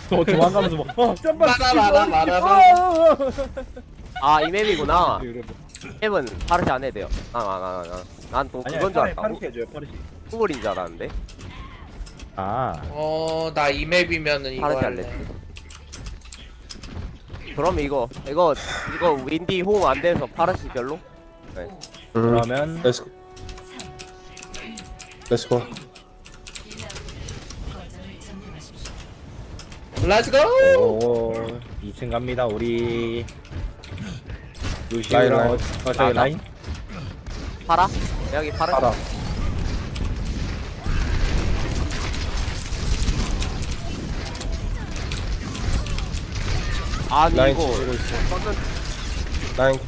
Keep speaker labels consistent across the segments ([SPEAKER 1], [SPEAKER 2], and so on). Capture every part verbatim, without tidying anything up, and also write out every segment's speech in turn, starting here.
[SPEAKER 1] 도, 도망가면서 뭐 어, 점프
[SPEAKER 2] 말아, 말아, 말아, 말아.
[SPEAKER 3] 아 이 맵이구나.
[SPEAKER 1] 이러고.
[SPEAKER 3] 맵은 파르시 안 해도 돼요. 난난난난또
[SPEAKER 1] 아니야,
[SPEAKER 3] 그건 줄
[SPEAKER 1] 파르-
[SPEAKER 3] 알았다고.
[SPEAKER 1] 파르시 해줘요, 파르시.
[SPEAKER 3] 후불인 줄 알았는데
[SPEAKER 1] 아,
[SPEAKER 2] 어, 나 이 맵이면은 이거
[SPEAKER 3] 파르시
[SPEAKER 2] 할래.
[SPEAKER 3] 할래. 그럼 이거 이거 이거 윈디 호응 안 돼서 파르시 별로? 네.
[SPEAKER 4] 음.
[SPEAKER 1] 그러면
[SPEAKER 4] Let's go. Let's go.
[SPEAKER 2] Let's go!
[SPEAKER 1] 오, 이 층 갑니다, 우리.
[SPEAKER 4] 라인,
[SPEAKER 1] 루시랑
[SPEAKER 4] 라인.
[SPEAKER 1] 어, 어, 저기
[SPEAKER 3] 나,
[SPEAKER 1] 라인?
[SPEAKER 3] 파라? 여기 파르시.
[SPEAKER 4] 알아.
[SPEAKER 3] 아니
[SPEAKER 4] 라인
[SPEAKER 3] 이거
[SPEAKER 4] 치고 있어.
[SPEAKER 3] 저는
[SPEAKER 4] 라인.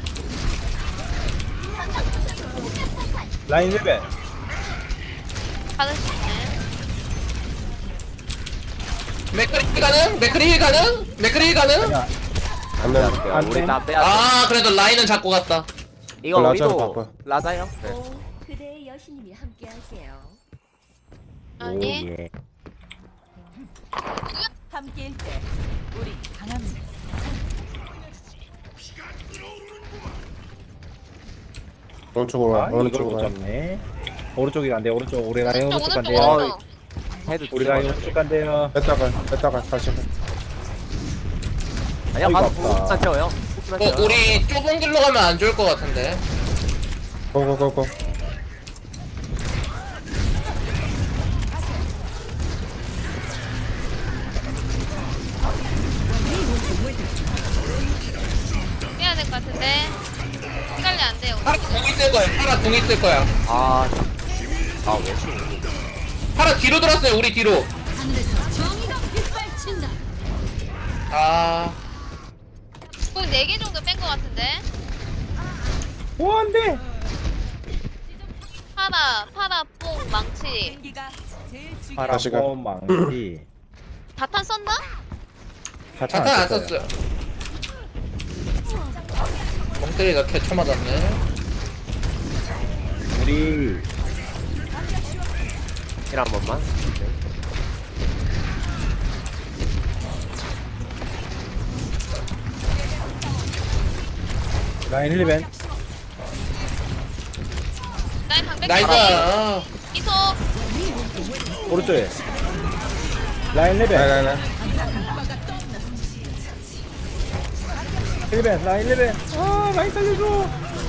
[SPEAKER 1] 라인 레벨.
[SPEAKER 5] 받을 수 있네.
[SPEAKER 2] 맥크리 가능? 맥크리 가능? 맥크리 가능?
[SPEAKER 1] 아니야,
[SPEAKER 4] 안 돼.
[SPEAKER 1] 안
[SPEAKER 3] 우리
[SPEAKER 1] 돼.
[SPEAKER 3] 다 빼야 돼.
[SPEAKER 2] 아, 그래도 라인은 잡고 갔다.
[SPEAKER 3] 이거
[SPEAKER 4] 라자로
[SPEAKER 3] 우리도
[SPEAKER 4] 바꿔.
[SPEAKER 3] 라자요? 네.
[SPEAKER 6] 오, 그대의 여신님이 함께할게요.
[SPEAKER 5] 아니.
[SPEAKER 1] 오, 예.
[SPEAKER 6] 함께일 때 우리 강합니다.
[SPEAKER 4] 오른쪽으로 와.
[SPEAKER 1] 아, 이걸
[SPEAKER 4] 오른쪽으로
[SPEAKER 1] 못
[SPEAKER 4] 와.
[SPEAKER 1] 잡네. 오른쪽이 안 돼, 오른쪽. 우리 라인
[SPEAKER 5] 오른쪽
[SPEAKER 1] 오른쪽
[SPEAKER 5] 오른쪽
[SPEAKER 1] 간대요.
[SPEAKER 5] 오른쪽.
[SPEAKER 3] 해도
[SPEAKER 1] 우리 라인
[SPEAKER 3] 뒤집어져.
[SPEAKER 1] 오른쪽 간대요.
[SPEAKER 4] 뺐다가 뺐다가 다시.
[SPEAKER 3] 아니야
[SPEAKER 1] 어이가
[SPEAKER 3] 가서
[SPEAKER 1] 없다.
[SPEAKER 3] 부스만 채워요. 부스만
[SPEAKER 2] 어,
[SPEAKER 3] 채워요.
[SPEAKER 2] 우리 좁은 길로 가면 안 좋을 것 같은데.
[SPEAKER 4] 고고고고.
[SPEAKER 5] 해야 될 것 같은데. 시간이 안 돼요.
[SPEAKER 2] 파라 공 있을 거야. 파라 공 있을 거야.
[SPEAKER 3] 아, 아 왜?
[SPEAKER 2] 파라 뒤로 들었어요. 우리 뒤로. 아,
[SPEAKER 5] 꼭 네 개 정도 뺀 것 같은데.
[SPEAKER 1] 오, 안 돼!
[SPEAKER 5] 파라, 파라, 뽕, 망치.
[SPEAKER 6] 기가 제일 중요한
[SPEAKER 1] 파라,
[SPEAKER 4] 다시 가.
[SPEAKER 1] 뽕, 망치.
[SPEAKER 5] 자탄 썼나?
[SPEAKER 2] 자탄 안 썼어요. 멍때리가 개쳐 맞았네.
[SPEAKER 1] 우리
[SPEAKER 3] 힐한 번만.
[SPEAKER 1] 라인 힐벤.
[SPEAKER 5] 라인 방백.
[SPEAKER 2] 나이스. 아,
[SPEAKER 5] 이소.
[SPEAKER 1] 오른쪽에. 라인
[SPEAKER 4] 라인
[SPEAKER 1] 레벨.
[SPEAKER 4] 라인 라인.
[SPEAKER 1] 힐벤, 라인 레벨. 아, 라인 살려줘.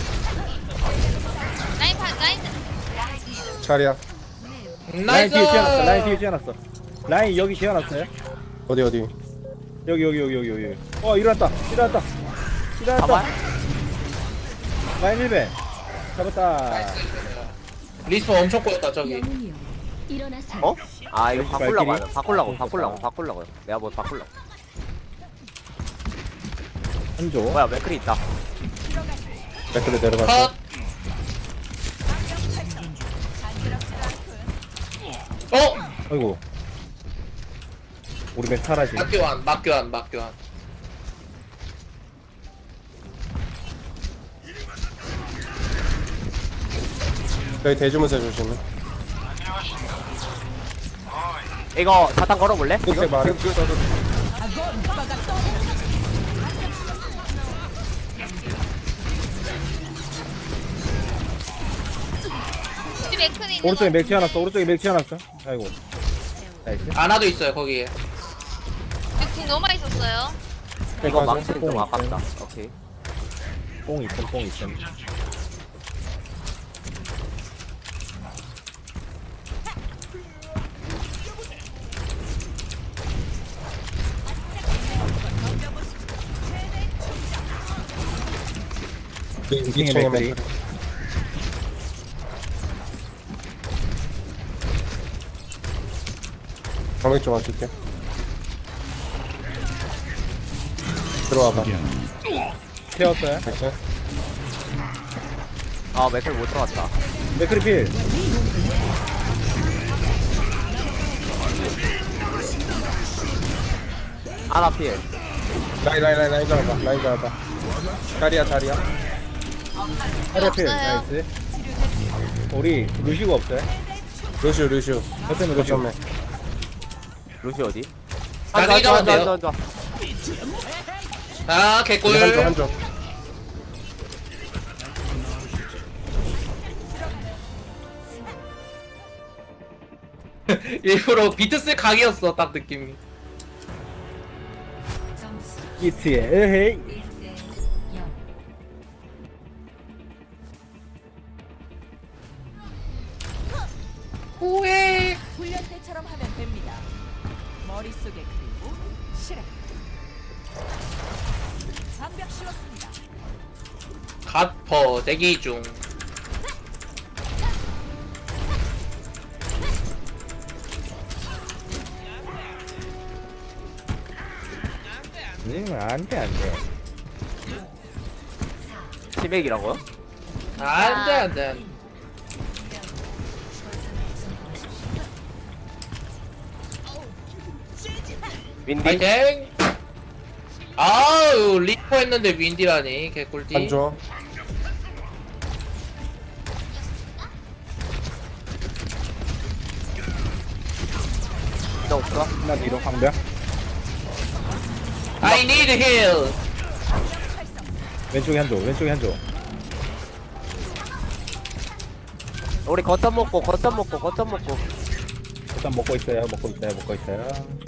[SPEAKER 5] 라인 반 라인.
[SPEAKER 4] 차리야.
[SPEAKER 1] 라인
[SPEAKER 2] 나이스.
[SPEAKER 1] 뒤에 지어놨어, 라인 뒤에 지어놨어. 라인 여기 지어놨어요.
[SPEAKER 4] 어디 어디.
[SPEAKER 1] 여기, 여기, 여기, 여기, 여기. 어, 일어났다, 일어났다. 일어났다.
[SPEAKER 3] 잡아요?
[SPEAKER 1] 라인 힐벤. 잡았다.
[SPEAKER 2] 리스폰 엄청 꼬였다 저기.
[SPEAKER 6] 영웅이여 일어나서
[SPEAKER 3] 어? 아 이거 바꾸려고
[SPEAKER 1] 발길이?
[SPEAKER 3] 하네. 바꾸려고 바꾸려고 바꾸려고. 내가 뭐 바꾸려고.
[SPEAKER 1] 한조.
[SPEAKER 3] 뭐야 맥클이 있다.
[SPEAKER 4] 맥크리 내려갔어.
[SPEAKER 2] 컷. 어?
[SPEAKER 1] 아이고. 우리 맥 사라지.
[SPEAKER 2] 막교환, 막교환, 막교환.
[SPEAKER 4] 여기 대주문서 조심해.
[SPEAKER 3] 이거 사탕 걸어볼래?
[SPEAKER 4] 끝에 말해.
[SPEAKER 5] 우리 맥크니 있는
[SPEAKER 1] 오른쪽에
[SPEAKER 5] 거.
[SPEAKER 1] 맥 튀어났어, 오른쪽에 맥 튀어났어. 아이고. 나이스.
[SPEAKER 2] 아나도 있어요 거기에.
[SPEAKER 5] 궁 너무 많이 썼어요.
[SPEAKER 3] 이거
[SPEAKER 4] 맞아.
[SPEAKER 3] 망치는 좀 아깝다. 오케이.
[SPEAKER 1] 뽕 있음, 뽕 있음.
[SPEAKER 4] 이
[SPEAKER 1] 층에
[SPEAKER 4] 층에
[SPEAKER 1] 맥크리.
[SPEAKER 4] 맥크리. 방백 좀 와줄게. 들어와봐.
[SPEAKER 1] 태웠어요.
[SPEAKER 4] 됐어?
[SPEAKER 3] 아 맥클 못 들어갔다.
[SPEAKER 1] 맥크리 필.
[SPEAKER 3] 아나필.
[SPEAKER 4] 라인 라인 라인 라인 잡아봐. 라인 잡아봐. 자리야 자리야.
[SPEAKER 1] 하려 필.
[SPEAKER 5] 없어요.
[SPEAKER 1] 나이스. 우리 루시가 없어요.
[SPEAKER 4] 루슈 루슈.
[SPEAKER 1] 어쩌면 루시.
[SPEAKER 4] 거점에.
[SPEAKER 3] 루시 어디? 앉아
[SPEAKER 2] 나중에
[SPEAKER 3] 앉아 앉아
[SPEAKER 2] 잡으면
[SPEAKER 3] 앉아
[SPEAKER 2] 돼요.
[SPEAKER 3] 앉아.
[SPEAKER 2] 아 개꿀.
[SPEAKER 4] 한쪽 한쪽.
[SPEAKER 2] 일부러 비트 쓸 각이었어 딱 느낌이.
[SPEAKER 6] 점수
[SPEAKER 1] 이트에 에헤이.
[SPEAKER 6] 일 대 영.
[SPEAKER 2] 오해.
[SPEAKER 6] 훈련 때처럼 하면 됩니다. 머릿속에 그리고 실행. 장벽 씌웠습니다.
[SPEAKER 2] 갓퍼 대기 중.
[SPEAKER 1] 음, 안돼 안돼.
[SPEAKER 3] 치맥이라고요?
[SPEAKER 2] 안돼 안돼.
[SPEAKER 3] 윈디.
[SPEAKER 2] 파이팅. 아우 리퍼 했는데 윈디라니 개꿀띠.
[SPEAKER 4] 한쪽.
[SPEAKER 3] 나 없어.
[SPEAKER 1] 하나 뒤로 방벽.
[SPEAKER 2] I need heal.
[SPEAKER 1] 왼쪽에 한조 왼쪽에 한조.
[SPEAKER 3] 우리 거점 먹고 거점 먹고 거점 먹고.
[SPEAKER 1] 일단 먹고 있어요 먹고 있어요 먹고 있어요.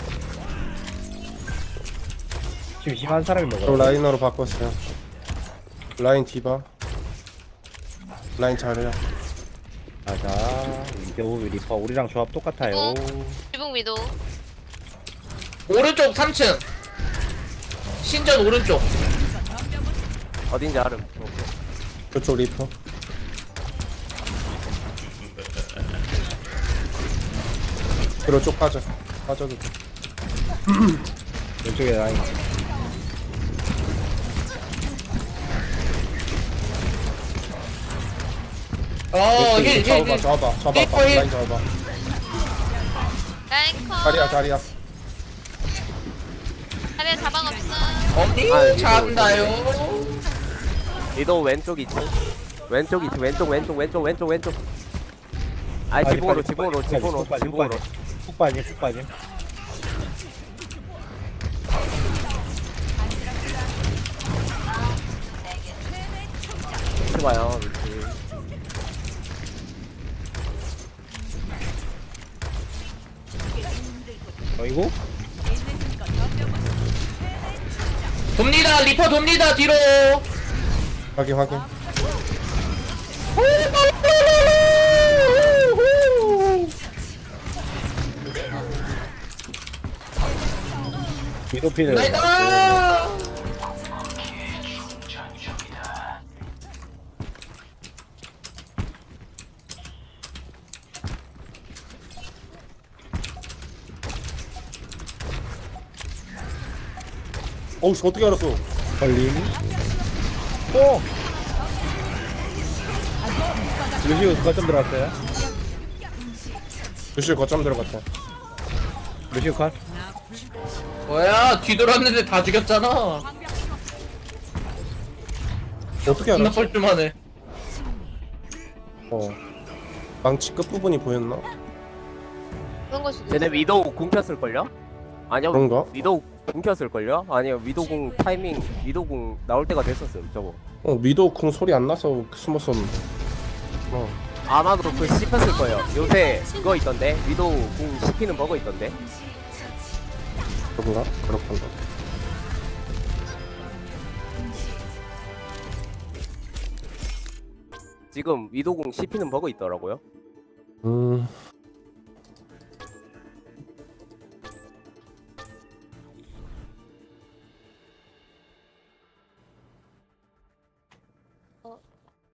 [SPEAKER 1] 지금 심한 사람이
[SPEAKER 4] 저
[SPEAKER 1] 먹어.
[SPEAKER 4] 라인으로 바꿨어요. 라인 디바. 라인 잘해요.
[SPEAKER 1] 맞아. 위도우 리퍼 우리랑 조합 똑같아요.
[SPEAKER 5] 지붕 위도.
[SPEAKER 2] 오른쪽 삼 층. 신전 오른쪽.
[SPEAKER 3] 어딘지 알음.
[SPEAKER 4] 저쪽 리퍼. 뒤로 쭉 빠져. 빠져도 돼.
[SPEAKER 1] 왼쪽에 라인.
[SPEAKER 2] 어힐 힐
[SPEAKER 4] 잡아봐,
[SPEAKER 2] 힐.
[SPEAKER 4] 잡아봐, 잡아봐.
[SPEAKER 2] 리퍼 힐.
[SPEAKER 4] 라인 잡아봐.
[SPEAKER 5] 라인 컷.
[SPEAKER 4] 자리야, 자리야.
[SPEAKER 5] 자리에 자방 없음.
[SPEAKER 2] 어디
[SPEAKER 3] 아,
[SPEAKER 2] 잡나요?
[SPEAKER 3] 위도 왼쪽 있지. 왼쪽 있지. 왼쪽 왼쪽 왼쪽 왼쪽 왼쪽. 아
[SPEAKER 1] 빨리,
[SPEAKER 3] 지붕으로
[SPEAKER 1] 빨리,
[SPEAKER 3] 지붕으로
[SPEAKER 1] 빨리,
[SPEAKER 3] 지붕으로
[SPEAKER 1] 빨리,
[SPEAKER 3] 지붕으로.
[SPEAKER 1] 빨리. 푹 빠짐 푹 빠짐.
[SPEAKER 3] 해봐요. 그렇지.
[SPEAKER 1] 어이구.
[SPEAKER 2] 돕니다 리퍼 돕니다 뒤로.
[SPEAKER 4] 확인, 확인.
[SPEAKER 1] 위도피를.
[SPEAKER 2] 나이다.
[SPEAKER 4] 어우, 씨, 어떻게 알았어?
[SPEAKER 1] 걸림. 오. 루시우 거점 들어왔어요.
[SPEAKER 4] 루시 거점 들어갔다.
[SPEAKER 1] 루시우 컷.
[SPEAKER 2] 뭐야 뒤돌았는데 다 죽였잖아.
[SPEAKER 4] 어떻게
[SPEAKER 2] 존나
[SPEAKER 4] 알았어?
[SPEAKER 2] 뻘쭘하네.
[SPEAKER 4] 어. 망치 끝부분이 보였나?
[SPEAKER 5] 그런 걸 수도
[SPEAKER 3] 쟤네
[SPEAKER 5] 있어.
[SPEAKER 3] 위도우 궁 켰을걸요? 아니요.
[SPEAKER 4] 그런가?
[SPEAKER 3] 위도우 궁 켰을걸요? 아니요. 위도우 궁 타이밍 위도우 궁 나올 때가 됐었음 저거.
[SPEAKER 4] 어, 미도 쿵 소리 안 나서 숨었었는데. 어.
[SPEAKER 3] 아마도 그 씹혔을 거예요. 요새 그거 있던데 위도우 궁 씹히는 버거 있던데.
[SPEAKER 4] 그런가? 그렇던가.
[SPEAKER 3] 지금 위도우 궁 씹히는 버거 있더라고요.
[SPEAKER 4] 음.